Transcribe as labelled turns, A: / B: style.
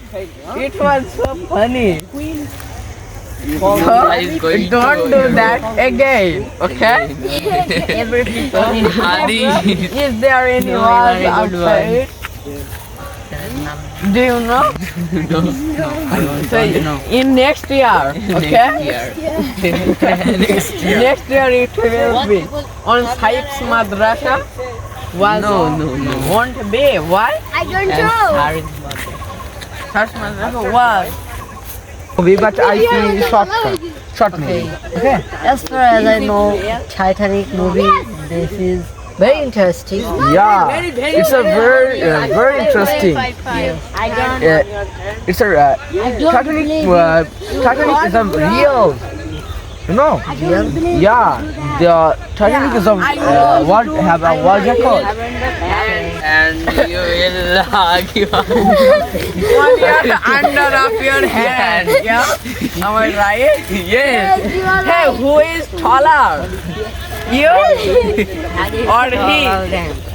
A: It was so funny. So,
B: is going
A: don't do that again, okay?
C: Every people in
B: Adi.
A: Is there any wars outside? Do you know? So, in next year, okay? Next year it will be on Sahib's Madrasa. Was
B: No.
A: Won't be. Why?
C: I don't know.
A: Sahib's Madrasa was.
D: movie, but I see short movie. Okay.
E: As far as I know, Titanic movie, this is very interesting.
D: Yeah, it's a very interesting.
C: I don't.
D: It's a Titanic. Titanic is a real. You know? Yeah, the Titanic is a world have a world record.
B: And you will argue.
A: On your under of your hand. Yeah. Am I right?
B: Yes.
A: Hey, who is taller? You or he?